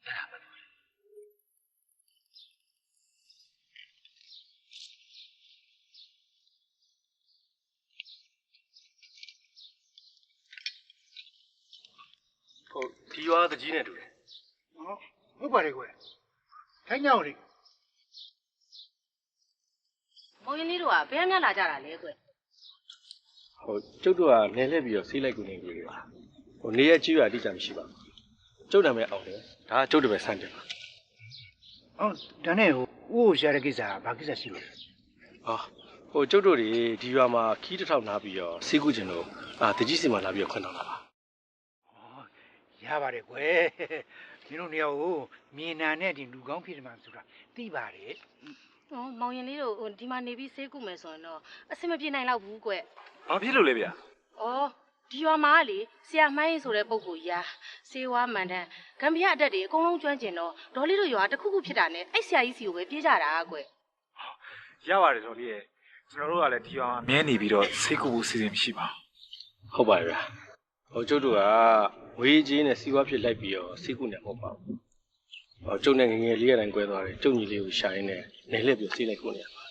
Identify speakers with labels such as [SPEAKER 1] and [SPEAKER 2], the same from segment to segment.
[SPEAKER 1] ဒီရွာတကြီးနဲ့တူတယ်
[SPEAKER 2] ဟုတ်ပါတယ်ကွယ်ခိုင်းညောင်းလေ
[SPEAKER 3] မောင်ရင်လေးတို့ကဘယ်များလာကြတာလဲကွယ်
[SPEAKER 1] ကျုပ်တို့ကနေလှည့်ပြီးတော့ဆေးလိုက်ကူနေကြပါနေရကြီးရွာအတိအကျမရှိပါဘူးကျုပ်နာမည်အောင်တယ်ဒါကကျုပ်တပည့်ဆန်းတယ်ပါ
[SPEAKER 2] ဒါနဲ့ဦးရှာတဲ့ကိစ္စဘာကိစ္စရှိလို့
[SPEAKER 1] ကျုပ်တို့တွေဒီရွာမှာခီးတစ်ထောင်နားပြီးတော့ဆေးကူကျင်လို့တကြီးစီမှာလာပြီးတော့ခွင့်တောင်းတာပါ
[SPEAKER 2] ရပါတယ်ကွယ်မင်းတို့နေရာကိုမြေနာနဲ့ဒီလူကောင်းဖြစ်တယ်မှဆိုတာသိပါတယ်
[SPEAKER 3] မောင်ရင်လေးတို့ဒီမှာနေပြီးဆေးကုမယ်ဆိုရင်တော့အဆင်မပြေနိုင်တော့ဘူးကွယ်
[SPEAKER 4] ဘာဖြစ်လို့လဲဗျာ
[SPEAKER 3] ဒီရွာမှာလေဆရာမိုင်းဆိုတဲ့ပုဂ္ဂိုလ်ကြီးဆေးဝါးမှန်တမ်းဂမ်ဘီယာအတက်တွေအကုန်လုံးကျွမ်းကျင်တော့ဒေါ်လေးတို့ရွာတစ်ခုခုဖြစ်တာနဲ့အဲ့ဆရာကြီးစီကိုပဲပြေးကြတာကွယ်
[SPEAKER 4] ရပါတယ်ဒေါ်လေးရဲ့ကျွန်တော်တို့ကလည်းဒီရွာမှာမြဲနေပြီးတော့ဆေးကုဖို့စီစဉ်မရှိပါ
[SPEAKER 1] ဘူးဟုတ်ပါရဲ့ဗျာကျုပ်တို့ကဝေးကြီးနဲ့စီးပွားဖြစ်လိုက်ပြီးတော့ဆေးကုနေမှာမဟုတ်ပါဘူးကျုပ်နဲ့ငငယ်လေးရတိုင်းကွဲသွားတယ်ကျုပ်ညီလေးကိုရှာရင်းနဲ့နေလှည့်ပြီးဆေးလိုက်ကုနေရပါ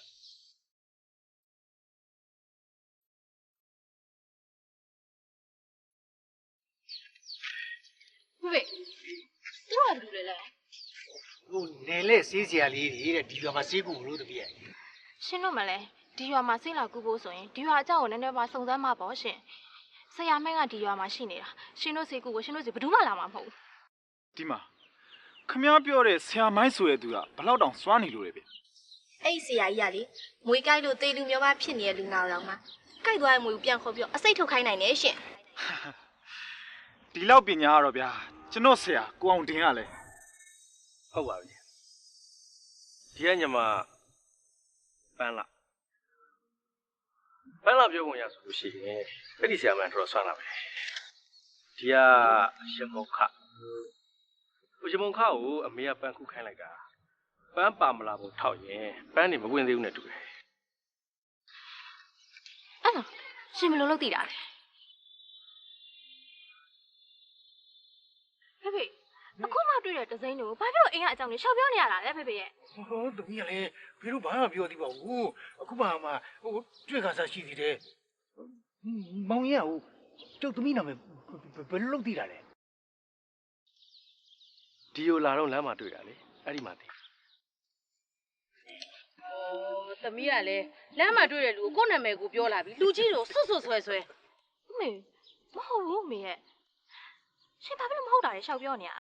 [SPEAKER 3] ဖေသူကဘာလုပ်လဲ
[SPEAKER 2] နေလဲဆေးစရာလေးတွေတဲ့ဒီရွာမှာဆေးကုလို့တပည့်
[SPEAKER 5] ရှင်းလို့မလဲဒီရွာမှာဆေးလာကုဖို့ဆိုရင်ဒီရွာအကြောင်းကိုနည်းနည်းပါစုံစမ်းမှာပေါ့ရှင်ဆရာမင်းကဒီရွာမှာရှိနေတာရှင်တို့ဆေးကုကိုရှင်တို့စီဘယ်သူမှလာမှာမဟုတ်ဘူး
[SPEAKER 4] ဒီမှာခမည်းပြောတဲ့ဆရာမိုင်းဆိုတဲ့သူကဘလောက်တောင်စွာနေလို့လဲဗျ
[SPEAKER 5] အဲ့ဒီဆရာကြီးကလေမွေးကြိုက်လို့သေလူမျိုးပါဖြစ်နေတဲ့လူနာတော်မှာကြိုက်သွားတဲ့မွေကိုပြန်ခေါ်ပြီးအစိတ်ထုတ်ခိုင်းနိုင်တယ်ရှင်
[SPEAKER 4] ဒီလောက်ပညာကတော့ဗျာကျွန်တော်ဆရာကိုအောင်တင်ရလဲ
[SPEAKER 1] ဟုတ်ပါပြီဒီကညမပန်းလာပြောပုံရဆိုလို့ရှိရင်အဲ့ဒီဆရာမတော်တော်ဆွမ်းလာပဲဒီကရမုံခရမုံခကိုအမေကပန်းခုခိုင်းလိုက်တာပန်းပါမလာဘူးထောက်ရင်ပန်းနေမဝင်သေးဘူးနဲ့တူတယ်
[SPEAKER 5] အဲ့တော့ရှင်ဘယ်လိုလုပ်သိတာလဲဖေအခုမှတွေ့တဲ့ဒဇိန်းတွေကိုဘာဖြစ်လို့အိမ်ကအကြောင်းလေးရှောက်ပြောနေရတာလဲဖေရဲ့
[SPEAKER 2] တမီးကလည်းဘယ်လိုဘာမှပြောသေးပါဘူးအခုမှတွေ့ခါစားရှိသေးတယ်မောင်ရင်ကျုပ်တမီးနာမည်ဘယ်လိုလုပ်သိတာလဲ
[SPEAKER 1] ဒီလိုလာတော့လမ်းမှာတွေ့တာလေအဲ့ဒီမှာသိ
[SPEAKER 3] သမီးကလည်းလမ်းမှာတွေ့တဲ့လူကိုနာမည်ကိုပြောလာပြီလူကြီးတို့ဆွဆွဆွဲ
[SPEAKER 5] မေမဟုတ်ဘူးမေရဲ့ရှင်ဘာဖြစ်လို့မဟုတ်တာလဲရှောက်ပြောနေရ